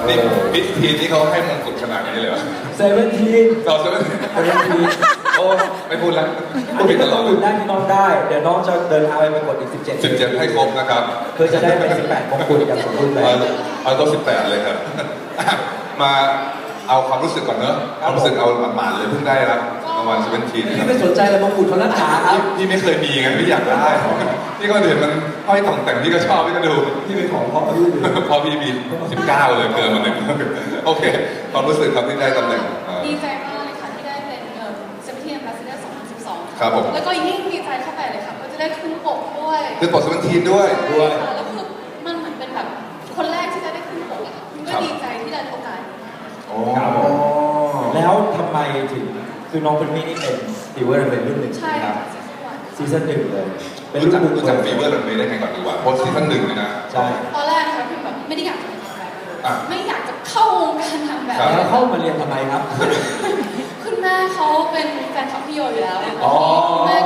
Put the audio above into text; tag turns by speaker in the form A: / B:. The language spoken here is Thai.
A: นี่พิธีที่เขาให้มงกุฎขนาดนี้เลยเหรอ
B: 17
A: เราจะไม่โอ้ไม่พูดแล้วพูดผิดตลอด
B: อุ่นได้ที่น้องได้ เดี๋ยวน้องจะเดินทางไปประกวดอีก17
A: 17ให้ครบนะครับ
B: เพื่อจะได้เป็น18มงกุฎอย่างสมบูรณ์แบบ
A: เอาตัว18เลยครับมาเอาความรู้สึกก่อนเนอะความรู้สึกเอาหมาดๆเลยเพิ่งได้รับรางวัล17นะค
B: พี่
A: รับ
B: ไม่สนใจเลยมงกุฎเขานักหนาครับ
A: พี่ไม่เคยมีไงพี่อยากได้พี่ก็เห็นมันห้อยต่องแต่งพี่ก็ชอบพี่ก็ดู
B: พี่เป็นของพ่อพี่เลย
A: พอพี่มี19เลยเกินมาหนึ่งโอเคความรู้สึกครับที่ได้ตำแหน่ง
C: ดีใจมากเลยค่ะที่ได้เป็นเซมเทียนบาสเดอร์2012
A: ครับผม
C: แล้วก็ยิ่งดีใจเข้าไปเลยค่ะก็จะได้ขึ้นปกด้วย
A: คือปลด17ด้วย
B: ด้วย
C: ค่ะแล้วคือมันเหมือนเป็นแบบคนแรกที่จะได้ขึ้นปกอะค่ะก็ดีใจที่ได้โอกาส
A: โอ้
B: ครับผมแล้วทำไมถึงคือน้องเป็นมี่นี่เป็นฟีเวอร์เป็นรุ่นหนึ่ง
C: ใช่
B: นะครับ
C: ค่ะ
B: ซีซั่นหนึ่งเลย
A: รู้จักฟีเวอร์รันเวย์ได้ไงก่อนดีกว่าเพราะซีซั่น1เลยนะ
B: ใช่
C: ตอนแรกนะคะคือแบบไม่ได้อยากจะเป็นนางแบบเลย
A: อ่ะ
C: ไม่อยากจะเข้าวงการนางแบบ
A: ครับ
B: แล้วเข้ามาเรียนทำไมครับ
C: คุณแม่เขาเป็นแฟนคลับพี่โยอยู่แล้ว
B: อ๋อ
C: คุณแม่